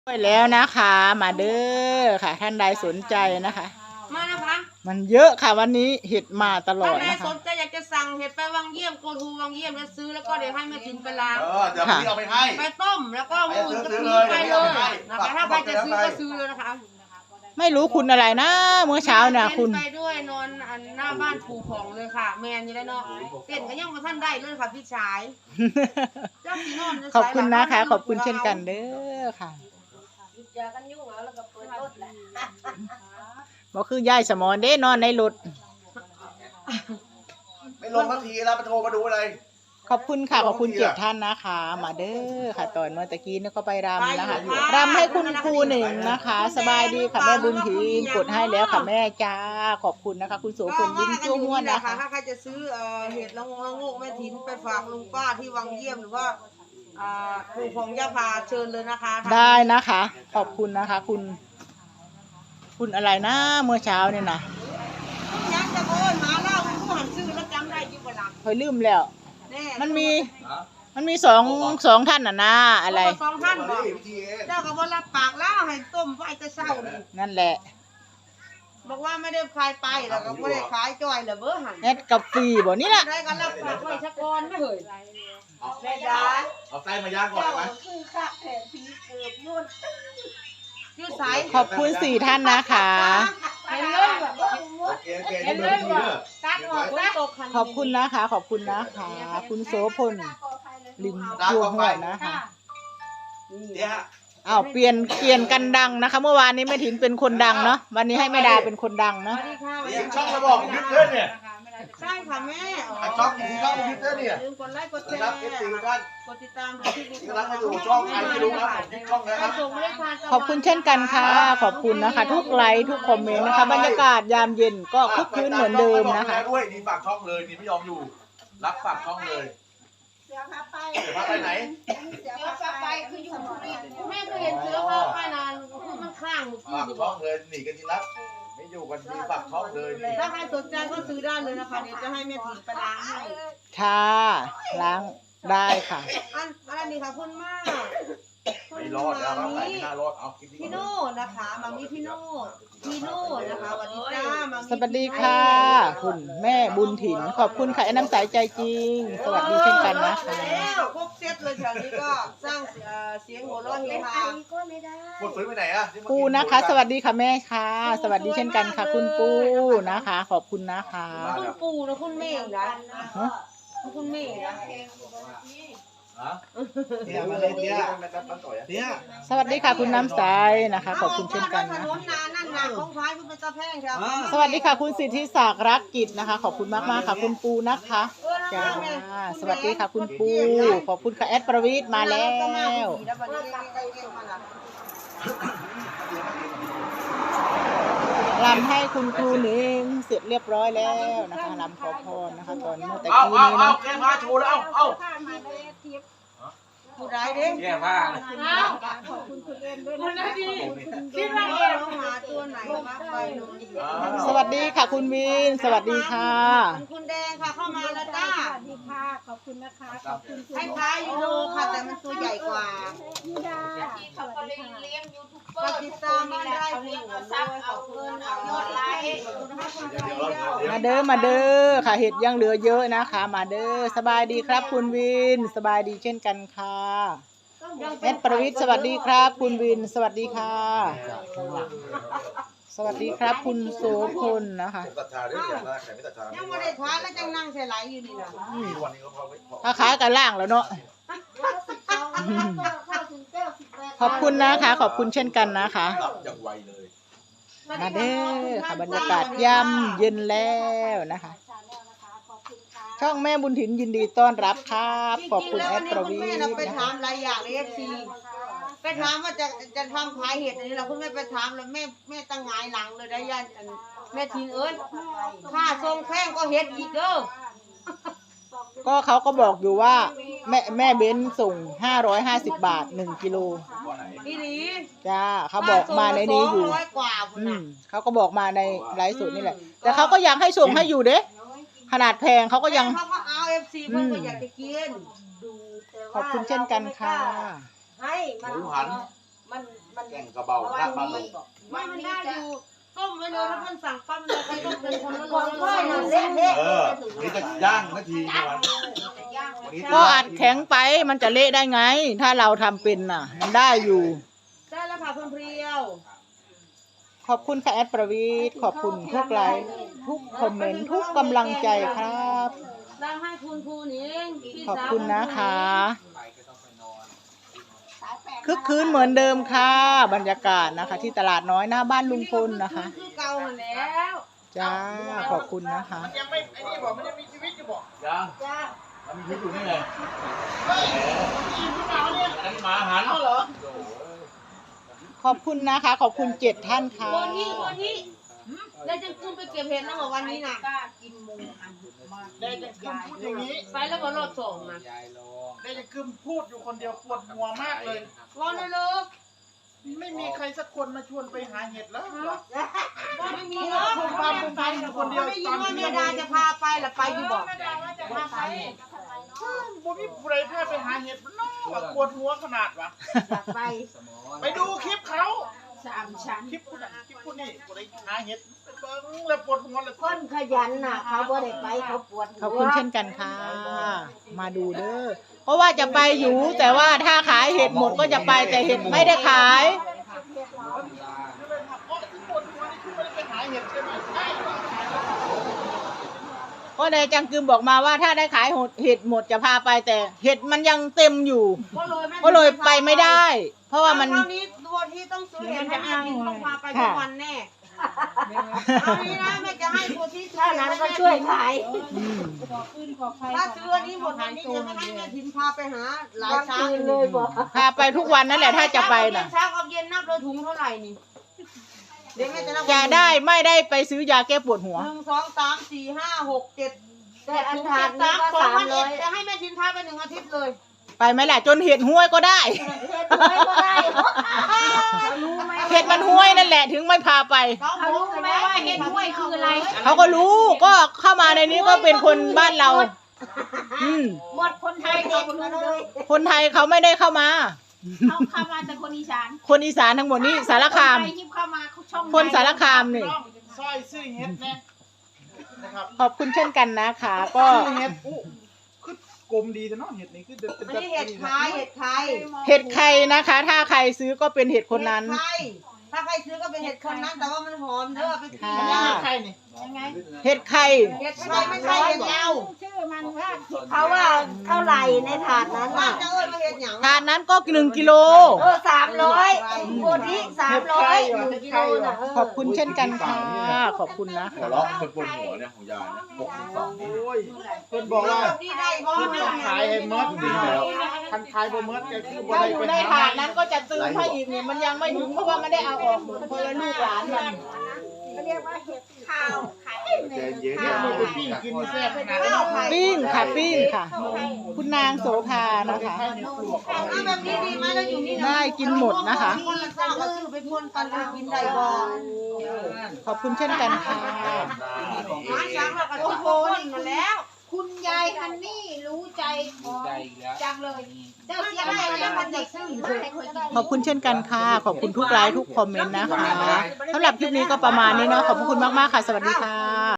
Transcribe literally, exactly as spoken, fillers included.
ด้วยแล้วนะคะมาเด้อค่ะท่านใดสนใจนะคะมานะคะมันเยอะค่ะวันนี้เห็ดมาตลอดท่านใดนะคะสนใจอยากจะสั่งเห็ดไปวังเยี่ยมโกทูวังเยี่ยมแล้วซื้อแล้วก็เดี๋ยวให้แม่ถินไปล้างเออเดี๋ยวพี่เอาไปให้ไปต้มแล้วก็มือก็ซื้อไปเลยนะคะถ้าใครจะซื้อก็ซื้อเลยนะคะไม่รู้คุณอะไรนะเมื่อเช้าเนี่ยคุณไปด้วยนอนอันหน้าบ้านปู่ของเลยค่ะ แมนอยู่แล้วเนาะเต้นก็ยังมาท่านได้เลยค่ะพี่ชายเจ้าสีนอนขอบคุณนะคะขอบคุณเช่นกันเด้อค่ะบอกคือย่ายสมอนเด้นอนในรถไม่ลงทันทีแล้วมาโทรมาดูอะไรขอบคุณค่ะขอบคุณเจ็ดท่านนะคะ มาเด้อค่ะตอนเมื่อตะกี้นี่ก็ไปรำนะคะรำให้คุณครูหนึ่งนะคะ สบายดีค่ะแม่บุญถีนกดให้แล้วค่ะแม่จ้าขอบคุณนะคะ คุณโสพลยิ้มจ้วม้วนนะคะถ้าใครจะซื้อเห็ดละงงละงกแม่ถินไปฝากลุงป้าที่วังเยี่ยมหรือว่าปู่ของย่าพาเชิญเลยนะคะได้นะคะ ขอบคุณนะคะ คุณ คุณอะไรนะเมื่อเช้าเนี่ยนะยังจะโอนมาเล่าผู้หันซื้อแล้วจำได้ที่เวลาเคยลืมแล้วมันมีมันมีสองสองท่านน่ะนะอะไรสองท่านบอกเจ้าก็บอกรับปากแล้วให้ต้มไว้จะเศร้านี่นั่นแหละบอกว่าไม่ได้ขายไปแล้วก็ไม่ได้ขายจอยแล้วเบอร์หันแอดกับฟรีบ่นี่แหละได้ก็รับปากไว้ชักกอนไม่เหยแม่ดาเอาไส้มาย่างก่อนไหมยืดสายขอบคุณสี่ท่านนะคะเห็นเลยแบบโอเคโอเคนี่เบอร์พี่เด้อตัดออกนะขอบคุณนะคะ ขอบคุณนะคะ คุณโสพลลิมจัวหัวนะคะเนี่ยฮะอ้าวเปลี่ยนเปลี่ยนกันดังนะคะ เมื่อวานนี้แม่ถินเป็นคนดังเนาะวันนี้ให้แม่ดาเป็นคนดังสเนาะวัสดีค่ะเสียงช่องระบอกยึดเด้อเนี่ยใช่ค่ะแม่ช่องช่องยึดเด้อเนี่ยลืมกดไลค์กดแชรัร์บเอฟซีท่านกดติดตามที่นี่กำลังมาอยู่ช่องใครไม่รู้ครับยึดช่องนะครับขอบคุณเช่นกันค่ะ ขอบคุณนะคะ ทุกไลค์ทุกคอมเมนต์นะคะ บรรยากาศยามเย็นก็คึกคืนเหมือนเดิมนะคะด้วยนี่ฝากช่องเลยนี่ไม่ยอมอยู่ รับฝากช่องเลยเสือพาไปเสือพาไปไหนเสือพาไปคืออยู่ที่แม่เคยเห็นเสือพาไปนานคือมันคลั่งฝากช่องเลยหนีกันทีรับไม่อยู่กันทีฝากช่องเลยนี่ถ้าใครสนใจก็ซื้อได้เลยนะคะเดี๋ยวจะให้แม่ถินไปล้างให้ค่ะล้างได้ค่ะอันอันนี้ค่ะคุณมากคุณไม่รอดแล้วครับมาไหนมีไม่น่ารอดเอาคลิปนี้พี่โน่นะคะมามีพี่โน่พี่โน่นะคะสวัสดีจ้ามามีสวัสดีค่ะ คุณแม่บุญถิ่นขอบคุณค่ะไอ้น้ำใสใจจริง สวัสดีเช่นกันนะคะแล้วครบเซตเลยแถวนี้ก็สร้างเอ่อเสียงหัวเราะเฮฮาหมดฟื้นไปไหนอะปูนะคะ สวัสดีค่ะแม่ค่ะ สวัสดีเช่นกันค่ะ คุณปูนะคะ ขอบคุณนะคะคุณปู่นะคุณแม่นะฮะคุณแม่นะฮะเนี่ยมาเลยเนี่ยเนี่ยสวัสดีค่ะคุณน้ำใสนะคะ ขอบคุณเช่นกันถนะนนนานั่นนาของท้ายคุณเป็นตาแพงครับสวัสดีค่ะคุณสิทธิศักดิ์รักกิจนะคะ ขอบคุณมากมากๆค่ะ คุณปูนะคะจ้าสวัสดีค่ะคุณปูขอบคุณค่ะแอดประวิทย์มาแล้วรำให้คุณครูหนึ่งเสร็จเรียบร้อยแล้วนะคะรำขอพรนะคะ ตอนเมื่อตะเอากี้เอานี้เอาเนาะแกมาโชว์แล้วเอาเอาผู้ใดเด้แย่ผ้าคุณนาดีคิดว่าเอวหาตัวไหนมาไปหนูสวัสดีค่ะคุณวินสวัสดีค่ะคุณแดงค่ะเข้ามาแล้วจ้าสวัสดีค่ะ ขอบคุณนะคะ ขอบคุณคล้ายๆยูโรค่ะแต่มันตัวใหญ่กว่ายูดาสวัสดีค่ะปฏิตามมาได้เพียงเอาซับเอาเงินเอายอดไลค์มาเด้อมาเด้อค่ะเห็ดยังเหลือเยอะนะคะ มาเด้อสบายดีครับคุณวินสบายดีเช่นกันค่ะแอดประวิทย์สวัสดีครับ คุณวินสวัสดีค่ะ สวัสดีครับ คุณโสพลนะคะตัดชาด้วยอย่างละแขนไม่ตัดชายังไม่ได้ทานแล้วจังนั่งใส่ไหลอยู่นี่นะวันนี้ก็พอไม่พอถ้าขายกันล่างแล้วเนาะขอบคุณนะคะ ขอบคุณเช่นกันนะคะหลับอย่างไวเลยมาเด้อค่ะบรรยากาศย่ำเย็นแล้วนะคะ ช่องแม่บุญถิ่นยินดีต้อนรับครับขอบคุณแอดประวิทแม่ย์เราไปนะถาคะมหลายอย่างในเอฟซีไปถามว่าจะจะทำขายเห็ดอันนี้เราคุณแม่ไปถามแล้วแม่แม่ตั้งหงายหลังเลยได้ยันแม่ทิ้งเอิญค่าทรงแพงก็เห็ดอีกเด้อก็เขาก็บอกอยู่ว่าแม่แม่เบ้นส่งห้าร้อยห้าสิบบาทหนึ่งกิโลอีหลีจ้าเขาบอกมาในนี้อยู่ร้อยกว่าพุ่นอืน่ะมเขาก็บอกมาในไลฟ์สดนี่แหละ แต่เขาก็ยังให้ส่งให้อยู่เด้ขนาดแพงเขาก็ยังเขาก็เอาเอฟซีเพิ่นก็อยากจะกินขอบคุณเช่นกันค่ะให้มันหมูหันมันแกงกระเบาลาบบ้านลงไม่มันได้อยู่ต้มไว้เลยแล้วมันสั่งปั๊มเลยใครต้องเป็นคนละของร้ค่อยอยนั่นเละเละเทะเทะเออวันนี้จะย่างนาทีในวันวันนี้ก็อัดแข็งไปมันจะเละได้ไง ถ้าเราทำเป็นน่ะ มันได้อยู่ได้แล้วค่ะคุณเพรียวขอบคุณค่ะแอดประวีตขอบคุณทุกไลค์ทุกคอมเมนต์ทุกกำลังใจครับได้ให้คุณครูนิงพี่ขอบสาวคุณนะคะคึกคืนเหมือนเดิมค่ะ บรรยากาศนะคะ ที่ตลาดน้อยหน้าบ้านลุงพลนะคะคือเก่าหันแล้วจ้าขอบคุณนะคะยังไม่ไอ้นี่บอกมันยังมีชีวิตอยู่บอกย่างจ้ามันมีชีวิตอยู่นี่ไงเฮ้ยกินขึ้นมาเนี่ยนั่นหมาหันเอาเหรอขอบคุณนะคะ ขอบคุณเจ็ดท่านค่ะวันนี้วันนี้แล้วจะขึ้นไปเก็บเห็ดนะบอกวันนี้น่ะได้จะกึมพูดอย่างนี้ไปแล้วก็รถส่งนะได้จะกึมพูดอยู่คนเดียวปวดหัวมากเลยรอเลยเลยไม่มีใครสักคนมาชวนไปหาเห็ดแล้วเหรอไม่มีพูหรอกดความเป็นไปอยู่คนเดียวไม่ยินว่าแม่ดาจะพาไปหรือไปอยู่บอกบ่มีใครพาไปหาเห็ดมันน้อปวดหัวขนาดวะอยากไปไปดูคลิปเขาสามชั้นคลิปผู้นั้นคลิปผู้นี้กูได้หาเห็ดไปเบิ้งแล้วปวดหัวเลยคนขยันน่ะ เขาบ่ได้ไปเขาปวดหัวขอบคุณเช่นกันค่ะ มาดูเด้อ เพราะว่าจะไปอยู่ แต่ว่าถ้าขายเห็ดหมดก็จะไปแต่เห็ดไม่ได้ขายก็เลยถามว่าปวดหัวนี่คือไม่ได้ไปหาเห็ดใช่ไหมใช่เหรอก็นายจังกึมบอกมาว่าถ้าได้ขายเห็ดหมดจะพาไปแต่เห็ดมันยังเต็มอยู่ก็เลยไม่ก็เลยไปไม่ได้ เพราะว่ามันคราวนี้ตัวที่ต้องซื้อเห็ดให้แม่ทินต้องพาไปทุกวันแน่คราวนี้นะแม่จะให้ตัวที่ซื้อถ้าเห็ดนั้นให้ก็แม่ช่วยทินขายอืมถ้าซื้ออันนี้หมดวันนี้จะไม่ให้แม่ทินพาไปหาหลายวันช้าคืนเลยบอกพาไปทุกวันนั่นแหละถ้าจะไปน่ะเช้ากับเย็นนับเลยถุงเท่าไหร่นี่เดี๋ยวแม่จะนับจะได้ไม่ได้ไปซื้อยาแก้ปวดหัวหนึ่งสองสามสี่ห้าหกเจ็ดแต่อันทานนี่สามก็สองสามพันร้เอ็อดยจะให้แม่ทินพาไปหนึ่งอาทิตย์เลยไปไหมล่ะจนเห็ดห้วยก็ได้เฮ็ดไว้ก็ได้เขารู้ไหมเห็ดมันห้วยนั่นแหละถึงไม่พาไปเขารู้ไหมว่าเฮ็ดห้วยคืออะไรเขาก็รู้ก็เข้ามาในนี้ก็เป็นคนบ้านเรา อืมหมดคนไทยเด็กมาเลยคนไทยเขาไม่ได้เข้ามาเขาเข้ามาจากคนอีสานคนอีสานทั้งหมดนี่สารคามนไทยที่เข้ามาเขาช่องคนสารคามนี่น้องซอยซื้อเห็ดนะนะครับขอบคุณเช่นกันนะคะ ก็ซื้อเห็ดอู้คือกลมดีแต่น้องเห็ดนี่คือเด็ดเป็นอันนี้เห็ดไข่เห็ดไข่เห็ดใครนะคะ ถ้าใครซื้อก็เป็นเห็ดคนนั้นเห็ดไข่ถ้าใครซื้อก็เป็นเห็ดคนนั้นแต่ว่ามันหอมเด้อไปกินค่ะได้ใครนี่ยังไงเห็ดใครเห็ดไข่ไม่ใช่เห็ดยาวชื่อมันว่าเขาว่าเท่าไหร่ในถาดนั้นบ้าน่ะนจะเอิ้นว่าเห็ดหยังทานนั้นก็หนึ่งกิโลเออสามร้อยโบที่สามร้อยหนึ่งกิโลน่ะเขอบคุณเช่นกันค่ะ ขอบคุณนะหัวเราะคนปวดหัวเนี่ยของยายนะหกสิบสองนี่โอ้ยเพิ่นบอกว่านี่ได้บ่เพิ่นแม่ต้องขายให้เมิดดีแล้วคันขายบ่เมิดก็คือบ่ถ้าได้อยู่ไปในหาถาดนั้นก็จะตื้อให้อีกเนี่ยมันยังไม่ถึงเพราะว่าไม่ได้เอาออกหมดเพราะว่าลูกหลานมันเขาเรียกว่าเห็ดข้าวไข่ใจเย็นเห็ดนี่ไปปิ้งกินนี่แซ่บขนาดนั้นปิ้งค่ะปิ้งค่ะ คุณนางโสภานะคะแค่นี้ปลวกเอาแบบนี้ดีไหมเราอยู่นี่นะได้กินหมดนะคะคนละเจ้าก็ซื้อไปพ่นกันแล้วกินได้บ่ขอบคุณเช่นกันค่ะหาช้างเราก็ซื้อพ่นมาแล้วคุณยายฮันนี่รู้ใจของจังเลยเจ้าเสียดายแล้วมันจะซื้อมาให้คนกินขอบคุณเช่นกันค่ะ ขอบคุณทุกไลค์ทุกคอมเมนต์นะคะสำหรับคลิปนี้ก็ประมาณนี้เนาะ ขอบคุณมากๆค่ะ สวัสดีค่ะ